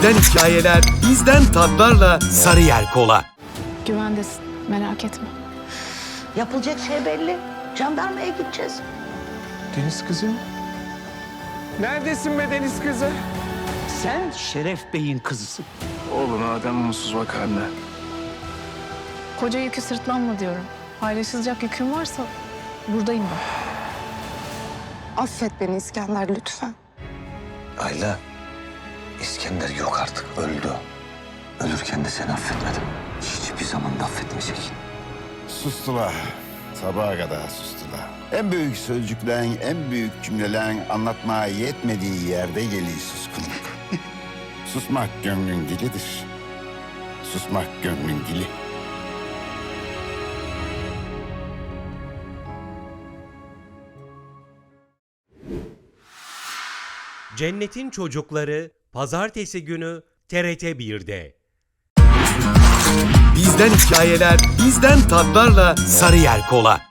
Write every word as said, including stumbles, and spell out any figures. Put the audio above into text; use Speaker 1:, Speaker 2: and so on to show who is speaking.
Speaker 1: Bizden hikayeler, bizden tatlarla Sarıyer Kola.
Speaker 2: Güvendesin, merak etme.
Speaker 3: Yapılacak şey belli. Jandarmaya gideceğiz.
Speaker 4: Deniz kızı mı? Neredesin be Deniz kızı?
Speaker 5: Sen Şeref Bey'in kızısın.
Speaker 4: Oğluna adam mutsuz bak anne.
Speaker 2: Koca yükü sırtlanma diyorum. Paylaşılacak yükün varsa buradayım ben.
Speaker 6: Affet beni İskender lütfen.
Speaker 7: Ayla, İskender yok artık, öldü. Ölürken de seni affetmedim. Hiçbir zaman da affetmeyecek.
Speaker 8: Sustular. Sabaha kadar sustular. En büyük sözcüklerin, en büyük cümlelerin anlatmaya yetmediği yerde geliyor suskunluk. Susmak gönlün dilidir. Susmak gönlün dili.
Speaker 9: Cennetin Çocukları Pazartesi günü T R T bir'de.
Speaker 1: Bizden hikayeler, bizden tatlarla Sarıyer Kola.